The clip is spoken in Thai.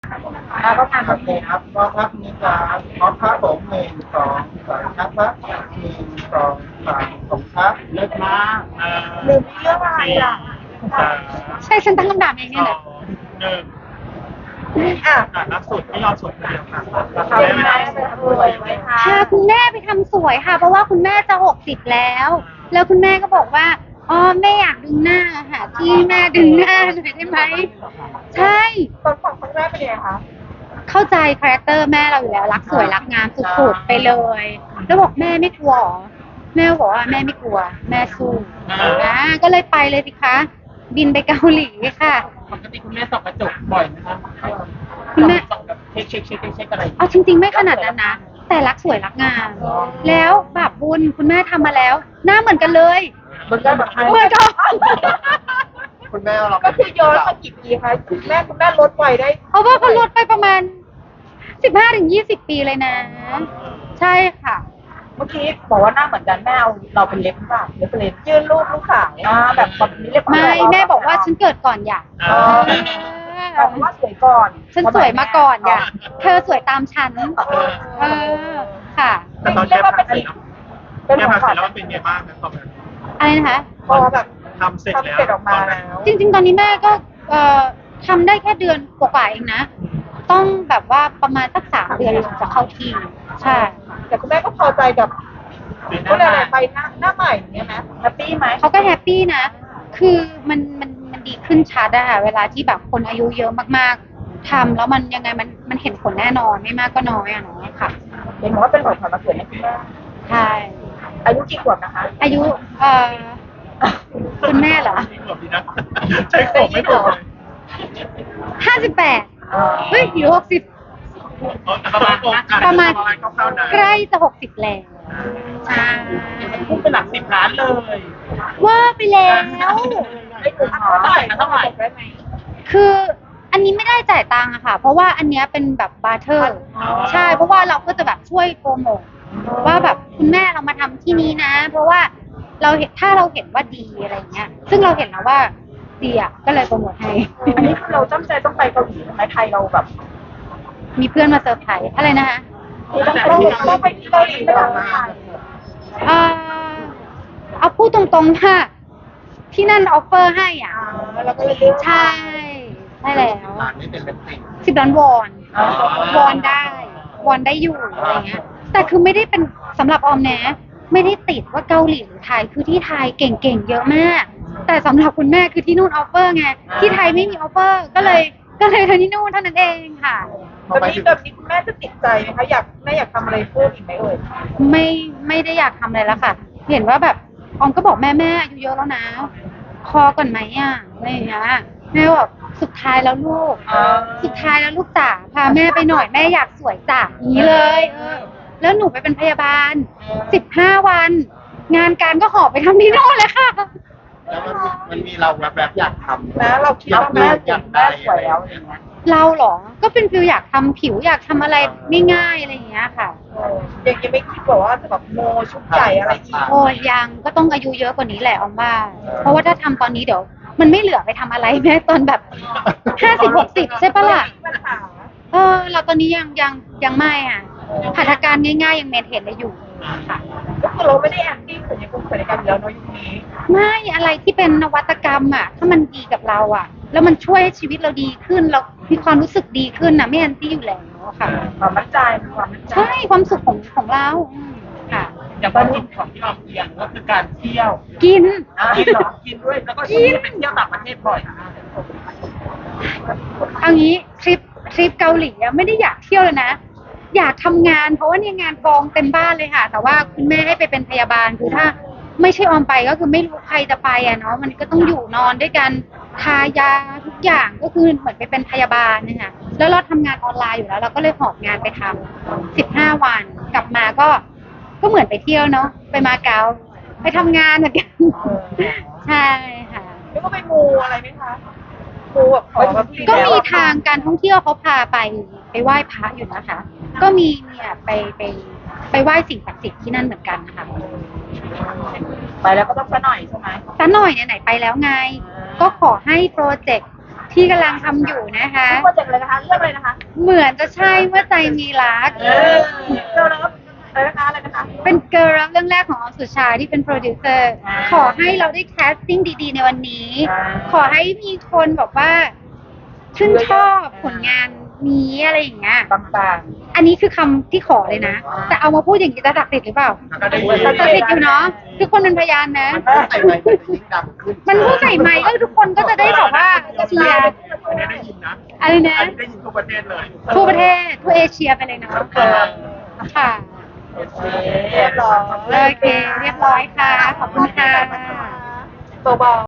แล้วก็งานโอเคครับก็ครับนี่จะพร้อมครับผม1 2 3ครับ1 2 3ผมครับเลิศมากลืมเรื่องอะไรอ่ะสามใช่ฉันตั้งคำถามเองสเนี่ยอแหละงหนึ่งอ่ะล่าสุดไม่ยอมสวดคนเดียวค่ะทำไมไปทำสวยไหมคะพาคุณแม่ไปทำสวยค่ะ เพราะว่าคุณแม่จะ60แล้ว แล้วคุณแม่ก็บอกว่าอ๋อแม่อยากดึงหน้าค่ะที่แม่ดึงหน้าหน่อยได้ไหมใช่ตอนฟังครั้งแรกเป็นยังไงคะเข้าใจคาแรคเตอร์แม่เราอยู่แล้วรักสวยรักงามสุดๆไปเลย แล้วบอกแม่ไม่กลัวหรอแม่บอกว่าแม่ไม่กลัว แม่สู้นะก็เลยไปเลยสิคะบินไปเกาหลีค่ะปกติคุณแม่ส่องกระจกบ่อยไหมคะคุณแม่ส่องแบบเช็คอะไรเอาจริงๆไม่ขนาดนั้นนะแต่รักสวยรักงาม แล้วแบบบุญคุณแม่ทำมาแล้ว หน้าเหมือนกันเลยมันก็แบบเหมือนกันคุณแม่เราก็คือย้อนมากี่ปีคะคุณแม่ลดไวได้เพราะว่าเขาลดไปประมาณ15-20 ปีเลยนะ ใช่ค่ะเมื่อกี้บอกว่าหน้าเหมือนกันแม่เอาเราเป็นเล็บหรือเปล่าเล็บเป็นเล็บยื่นรูปลูกสาวแบบนี้เล็บไม่แม่บอกว่าฉันเกิดก่อนอยากแบบว่าสวยก่อนฉันสวยมาก่อนอยากเธอสวยตามฉันเออค่ะแต่ตอนแม่พักเสร็จแล้วแม่พักเสร็จแล้วมันเป็นไงบ้างนะตอนนั้นอะไรนะคะพอแบบทำเสร็จแล้วทำเสร็จออกมาแล้วจริงๆ ตอนนี้แม่ก็ทำได้แค่เดือนกว่าๆเองนะ ต้องแบบว่าประมาณสัก3 เดือนถึงจะเข้าที่ ใช่แต่คุณแม่ก็พอใจกับก็เลยอะไรไปหน้าใหม่อย่างเงี้ยไหมแฮปปี้ไหมเขาก็แฮปปี้นะ คือมันดีขึ้นชัดอะค่ะเวลาที่แบบคนอายุเยอะมากๆทำแล้วมันยังไงมันเห็นผลแน่นอนไม่มากก็น้อยอะเนาะค่ะเห็นบอกว่าเป็นของขวัญวันเกิดให้คุณแม่ใช่อายุกี่ขวบนะคะอายุคุณแม่เหรอไม่ขวบดีนะใช้ขวบไม่ถูกเลย 58เฮ้ยหรือ60 ประมาณคร่าวๆนะใกล้จะ60แล้วใช่พุ่งไปหลัก10 ล้านเลยว่าไปแล้วไม่ถึงเท่าไหร่เท่าไหร่ได้ไหมคืออันนี้ไม่ได้จ่ายตังค์อะค่ะ เพราะว่าอันเนี้ยเป็นแบบบาร์เทอร์ ใช่ เพราะว่าเราก็จะแบบช่วยโปรโมทว่าแบบคุณแม่เรามาทำที่นี้นะ เพราะว่าเราเห็นถ้าเราเห็นว่าดีอะไรเงี้ย ซึ่งเราเห็นแล้วว่าดีอะก็เลยโปรโมทให้อันนี้คือเราตั้งใจต้องไปเกาหลีใช่ไหมไทยเราแบบมีเพื่อนมาเซอร์ไพรส์อะไรนะคะต้องไปที่เกาหลีไม่ได้เอ่อเอาพูดตรงๆค่ะที่นั่นออฟเฟอร์ให้อ่ะแล้วก็เลยเลือกใช่ใช่แล้วร้านนี้เป็นเล็บติ่ง 10 ล้านวอนได้วอนได้อยู่อะไรเงี้ย แต่คือไม่ได้เป็นสำหรับออมนะไม่ได้ติดว่าเกาหลีหรือไทยคือที่ไทยเก่งๆเยอะมาก แต่สำหรับคุณแม่คือที่นู่นออฟเฟอร์ไงที่ไทยไม่มีออฟเฟอร์ก็เลยทำที่นู่นเท่านั้นเองค่ะแบบนี้คุณแม่จะติดใจไหมคะแม่อยากทำอะไรเพิ่มอีกไหมเอ่ยไม่ได้อยากทำอะไรแล้วค่ะ เห็นว่าแบบออมก็บอกแม่อายุเยอะแล้วนะพอก่อนไหมอ่ะอะไรอย่างเงี้ยแม่บอกสุดท้ายแล้วลูก สุดท้ายแล้วลูกจ๋าพาแม่ไปหน่อยแม่อยากสวยจ๋าอย่างนี้เลยแล้วหนูไปเป็นพยาบาล15 วัน งานการก็หอบไปทำที่โน่นเลยค่ะแล้วมันมีเราแบบอยากทำนะเราคิดว่าแม่สวยแล้วอย่างเงี้ยเราเหรอ ก็เป็นฟิลอยากทำผิวอยากทำอะไรง่ายๆอะไรอย่างเงี้ยค่ะยังไม่คิดบอกว่าจะแบบโมชุดใหญ่อะไรอีกโอ้ยยังก็ต้องอายุเยอะกว่านี้แหละออมว่า เพราะว่าถ้าทำตอนนี้เดี๋ยว มันไม่เหลือไปทำอะไรแม้ตอนแบบ50-60ใช่ปะล่ะปัญหาเราตอนนี้ยังไม่อ่ะหัตถการง่ายๆยังเมนเทนได้อยู่ค่ะก็คือเราไม่ได้แอนตี้ศัลยกรรมศัลยกรรมแล้วเนาะยุคนี้ไม่อะไรที่เป็นนวัตกรรมอ่ะถ้ามันดีกับเราอ่ะ แล้วมันช่วยให้ชีวิตเราดีขึ้นเรามีความรู้สึกดีขึ้นนะไม่แอนตี้อยู่แล้วค่ะความมั่นใจความมั่นใจใช่ความสุขของเราค่ะอย่างความสุขของที่เราเรียนก็คือการเที่ยวกินกินเหรอกินด้วยแล้วก็ที่ไปเที่ยวต่างประเทศบ่อยเอางี้ทริปเกาหลีอะไม่ได้อยากเที่ยวเลยนะ อยากทำงานเพราะว่าเนี่ยงานกองเต็มบ้านเลยค่ะ แต่ว่าคุณแม่ให้ไปเป็นพยาบาลคือถ้าไม่ใช่ออมไปก็คือไม่รู้ใครจะไปอะเนาะมันก็ต้องอยู่นอนด้วยกันทายาทุกอย่างก็คือเหมือนไปเป็นพยาบาลนะคะแล้วเราทำงานออนไลน์อยู่แล้ว เราก็เลยหอบงานไปทำ15 วันกลับมาก็เหมือนไปเที่ยวเนาะไปมาเก๊าไปทำงานเหมือนกันใช่ค่ะแล้วก็ไปมูอะไรไหมคะมูแบบขอแบบก็มีทางการท่องเที่ยวเขาพาไปไหว้พระอยู่นะคะ ก็มีเนี่ยไปไหว้สิ่งศักดิ์สิทธิ์ที่นั่นเหมือนกันนะคะไปแล้วก็ต้องซะหน่อยใช่ไหมซะหน่อยไหนๆไปแล้วไง ก็ขอให้โปรเจกต์ที่กำลังทำอยู่นะคะโปรเจกต์อะไรนะคะเรื่องอะไรนะคะเหมือนจะใช่เมื่อใจมีรักเจ้ารับอะไรนะคะเป็นเกิร์ลรับเรื่องแรกของออมสุชาที่เป็นโปรดิวเซอร์อ่าขอให้เราได้แคสติ้งดีๆในวันนี้อ่าขอให้มีคนบอกว่าชื่นชอบผลงานนี้อะไรอย่างเงี้ยบางอันนี้คือคำที่ขอเลยนะ แต่เอามาพูดอย่างนี้จะศักดิ์สิทธิ์หรือเปล่าก็ได้ยินศักดิ์สิทธิ์อยู่เนาะทุกคนเป็นพยานนะใส่ไมค์มันจะยิ่งดังขึ้นมันพูดใส่ไมค์ก็ทุกคนก็จะได้แบบว่าเชียร์อันนี้ได้ยินนะอะไรนะอันนี้ได้ยินทั่วประเทศเลยทั่วประเทศทั่วเอเชียไปเลยเนาะค่ะเรียบร้อยโอเค เรียบร้อยค่ะ ขอบคุณค่ะเบาๆ